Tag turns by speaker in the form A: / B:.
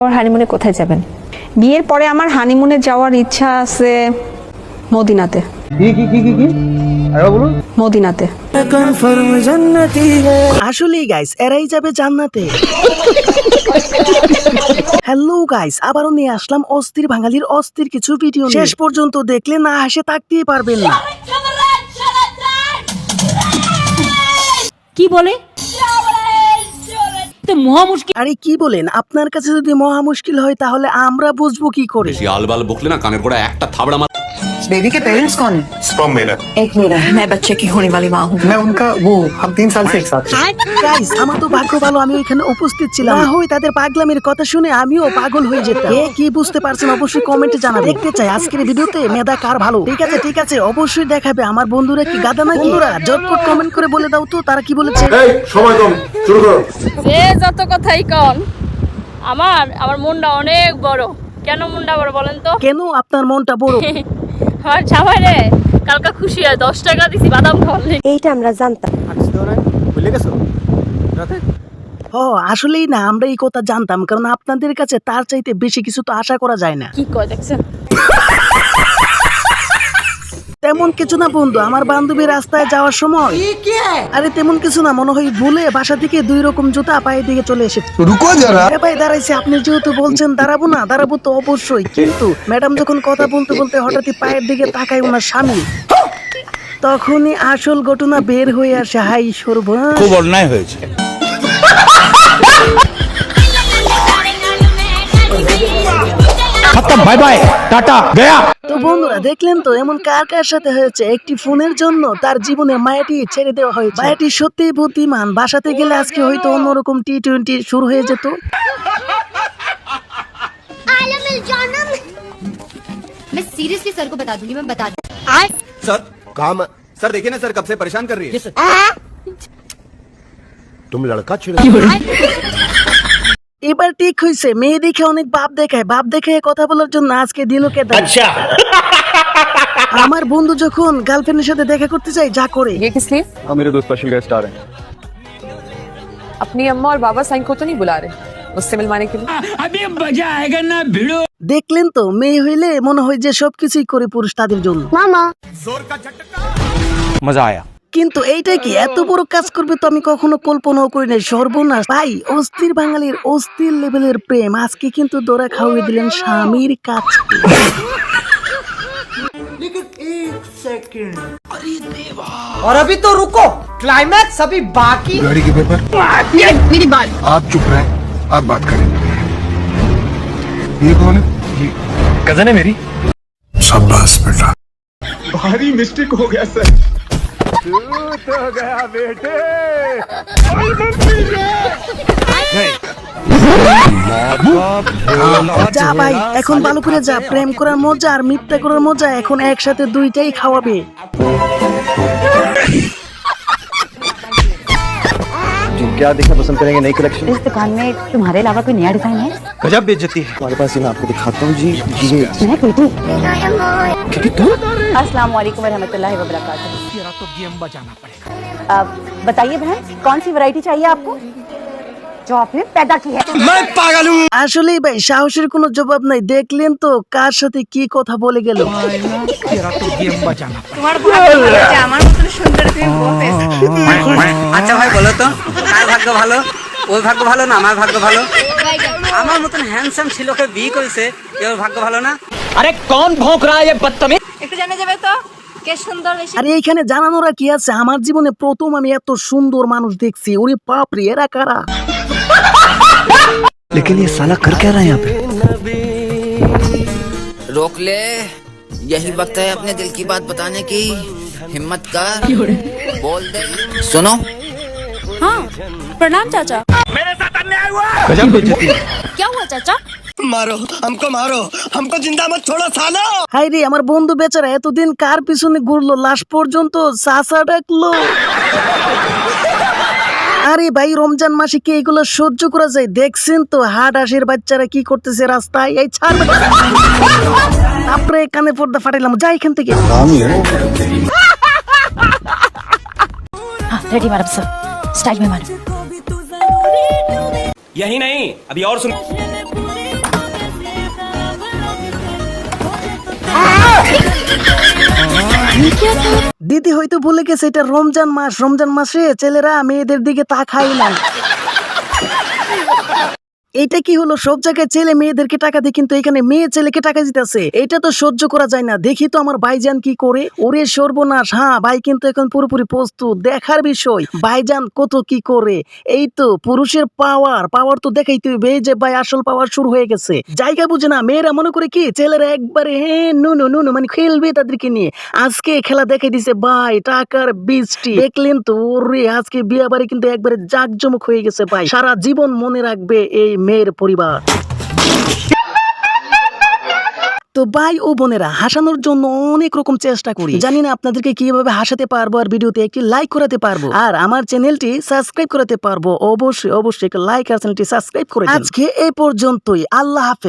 A: হানিমুনে কোথায় যাবেন?
B: বিয়ের পরে আমার হানিমুনে যাওয়ার ইচ্ছা আছে মদিনাতে।
C: কি আরে বলুন।
B: মদিনাতে।
D: আসলেই গাইস এরাই যাবে জান্নাতে। হ্যালো গাইস, আবারও নিয়ে আসলাম অস্থির বাঙালির অস্থির কিছু ভিডিও। শেষ পর্যন্ত দেখলে না হাসে থাকতেই পারবেন না।
E: কি বলে? মহা মুশকিল।
D: আরে কি বলেন, আপনার কাছে যদি মহা মুশকিল হয় তাহলে আমরা বুঝবো কি করে?
F: आल-बाल बकले ना कानेर गोड़ा एक थाबड़ा मार।
G: बेबी के पेरेंट्स कौन है?
H: स्पर्म मेरा।
G: एक मेरा है, मैं बच्चे की होने वाली माँ हूँ।
H: मैं उनका वो हम 3 साल से एक साथ हैं।
D: গাইস আমার তো ভাগ্য ভালো আমি ওইখানে উপস্থিত ছিলাম, না হয় তাদের পাগলামির কথা শুনে আমিও পাগল হয়ে যেতাম। কে কি বুঝতে পারছেন অবশ্যই কমেন্টে জানাবেন। দেখতে চাই আজকের ভিডিওতে মেধা কার ভালো। ঠিক আছে অবশ্যই দেখাবে। আমার বন্ধুরা কি গাদা নাকি? বন্ধুরা জটপট কমেন্ট করে বলে দাও তো তারা কি বলেছে।
H: এই সময় কম, শুরু করো।
E: সে যত কথাই কন, আমার মনটা অনেক বড়। কেন মনটা বড় বলেন তো?
D: কেন আপনার মনটা বড়?
E: আমার জামাই রে কালকা খুশি হয় 10 টাকা দিছি বাদাম খাওয়ার লেগে।
A: এইটা আমরা জানতাম।
C: ভুলে গেছো রাতে?
D: আসলেই না, আমরা এই কথা জানতাম, কারণ আপনাদের কাছে তার চাইতে বেশি কিছু তো আশা করা যায় না।
E: কি কয় দেখছেন?
D: তেমন কিছু না বন্ধু, আমার বান্ধবী রাস্তায় যাওয়ার সময় আরে তেমন কিছু না, মনে হয় ভুলে বাসা থেকে 2 রকম জুতা পায়ে দিয়ে চলে এসেছে।
H: রুকো যারা।
D: আরে ভাই দাঁড়াইছে, আপনি যেহেতু বলছেন দাঁড়াবো না, দাঁড়াবো তো অবশ্যই, কিন্তু ম্যাডাম যখন কথা বলতে বলতে হঠাৎই পায়ের দিকে তাকায় ওনার স্বামী, তখনই আসল ঘটনা বের হয়ে আসে। হাই সর্বনাশ,
F: खूब अन्याय হয়েছে। खत्म, बाय बाय, टाटा, गया।
D: তো বন্ধুরা দেখলেন তো এমন কার কার সাথে হয়েছে? একটি ফোনের জন্য তার জীবনের মায়াটি ছেড়ে দেওয়া হয়েছে। মায়াটি সত্যিই বুদ্ধিমান, বাসাতে গেলে আজকে হয়তো অন্যরকম T20 শুরু হয়ে যেত।
I: मैं सीरियसली सर को बता दूंगी, मैं बता दूंगी।
F: सर काम सर देखिए ना सर कब से परेशान कर रही है।
H: तुम लड़का छिड़।
D: এবার ঠিক হয়েছে, মেয়ে দেখে অনেক বাপ দেখায়, বাপ দেখে কথা বলার জন্য আজকে দিল কে দেয়। আমার বন্ধু যখন গার্লফ্রেন্ডের সাথে দেখা করতে যায় যা করে।
A: ये किस लिए?
C: मेरे दो स्पेशल गेस्ट आ रहे हैं।
A: अपनी अम्मा और बाबा साईं को तो नहीं बुला रहे उससे मिलवाने के लिए?
E: अभी मजा आएगा ना भिड़ो।
D: দেখলেন তো, মেয়ে হইলে মনে হয় যে সবকিছুই করে পুরুষ তাদের জন্য।
F: मजा आया।
D: কিন্তু এইটাই কি এত বড় কাজ করবে তো আমি কখনো কল্পনাও করি নাই। সর্বনাশ ভাই, অস্থির বাঙালির অস্থির লেভেলের প্রেম আজকে কিন্তু দোরা খাওয়িয়ে দিলেন স্বামীর কাছে।
G: और अभी तो रुको, क्लाइमैक्स अभी बाकी।
H: गाड़ी के पेपर।
I: मेरी बात।
H: आप चुप रहे, आप बात करें। ये कौन है? ये
C: कजन है मेरी।
H: शाबाश बेटा।
C: भारी मिस्टेक हो गया सर।
D: যা ভাই এখন ভালো করে যা, প্রেম করার মজা আর মিথ্যা করার মজা এখন একসাথে দুইটাই খাওয়াবে।
C: क्या देखना पसंद करेंगे नई कलेक्शन?
I: इस दुकान में तुम्हारे अलावा कोई नया डिजाइन है?
C: गजब बेइज्जती है। हमारे पास ये मैं आपको दिखाता हूँ जी। ये
I: मैं बेटी।
C: क्या तुम?
I: अस्सलाम वालेकुम रहमतुल्लाहि व बरकातहू।
E: तेरा तो गेम बजाना पड़ेगा।
I: बताइए बहन, कौन सी वैरायटी चाहिए आपको जो आपने पैदा की है?
D: আসলেই ভাই সাহসের কোনো জবাব নাই। দেখলেন তো কার সাথে কি কথা বলে গেল।
E: तेरा तो गेम बजाना पड़ेगा।
G: আচ্ছা ভাই বলো তো, কার ভাগ্য ভালো? ওর ভাগ্য ভালো না আমার ভাগ্য ভালো? আমার মতন হ্যান্ডসাম ছেলেকে বিয়ে করেছে, এর ভাগ্য ভালো না?
E: अरे कौन भौंक रहा है ये बदतमीज?
I: একটু জানা যাবে তো কে সুন্দর বেশি?
D: আরে এইখানে জানানোরা কি আছে? আমার জীবনে প্রথম আমি এত সুন্দর মানুষ দেখছি। ওরে বাপ রে, এরা কারা?
G: लेकिन ये साला कर क्या रहा है यहाँ पे?
J: रोक ले, यही वक्त है अपने दिल की बात बताने की। हिम्मत कर, बोल दे। सुनो।
E: हाँ प्रणाम चाचा। मेरे साथ अन्याय हुआ।
C: गजब बेइज्जती है।
E: क्या हुआ चाचा?
G: मारो हमको जिंदा मत छोड़ो सालो।
D: হাই রে, আমার বন্ধু বেচারা এতদিন কার পিছনে ঘুরলো, লাশ পর্যন্ত চাচা ডাকলো। আরে ভাই রমজান মাসে কি এগুলো সহ্য করা যায়? দেখছেন তো হাট আসের বাচ্চারা কি করতেছে রাস্তায়। এই ছাড় তারপরে কানে পর্দা ফাটাইলাম, যা এখান থেকে।
I: रेडी मैडम सर, स्टाइल में मैडम।
K: यही नहीं अभी और सुन।
D: দিদি হয়তো ভুলে গেছে এটা রমজান মাস, রমজান মাসে ছেলেরা মেয়েদের দিকে তাকায় না। এটা কি হলো, সব জায়গায় ছেলে মেয়েদেরকে টাকা দেয় কিন্তু এখানে মেয়ে ছেলেকে টাকা দিতেছে, এটা তো সহ্য করা যায় না। দেখি তো আমার ভাইজান কি করে। ওরে সর্বনাশ, হ্যাঁ ভাই কিন্তু এখন পুরোপুরি প্রস্তুত, দেখার বিষয় ভাইজান কত কি করে। এই তো পুরুষের পাওয়ার তো দেখাইতে হবে, এই যে ভাই আসল পাওয়ার শুরু হয়ে গেছে। জায়গা বুঝে না, মেয়েরা মনে করে কি ছেলেরা একবারে নুনু মানে খেলবে তাদেরকে নিয়ে। আজকে খেলা দেখাই দিছে ভাই, টাকার বৃষ্টি দেখলেন তো। ওরে আজকে বিয়ে বাড়ি কিন্তু একবারে জাঁকজমক হয়ে গেছে ভাই, সারা জীবন মনে রাখবে এই মেয়ের পরিবার। তো ভাই ও বোনেরা, হাসানোর জন্য অনেক রকম চেষ্টা করি, জানি না আপনাদেরকে কিভাবে হাসাতে পারবো আর ভিডিওতে একটি লাইক করাতে পারবো আর আমার চ্যানেলটি সাবস্ক্রাইব করাতে পারবো। অবশ্যই একটা লাইক আর চ্যানেলটি সাবস্ক্রাইব করে দিন। আজকে এই পর্যন্তই, আল্লাহ হাফেজ।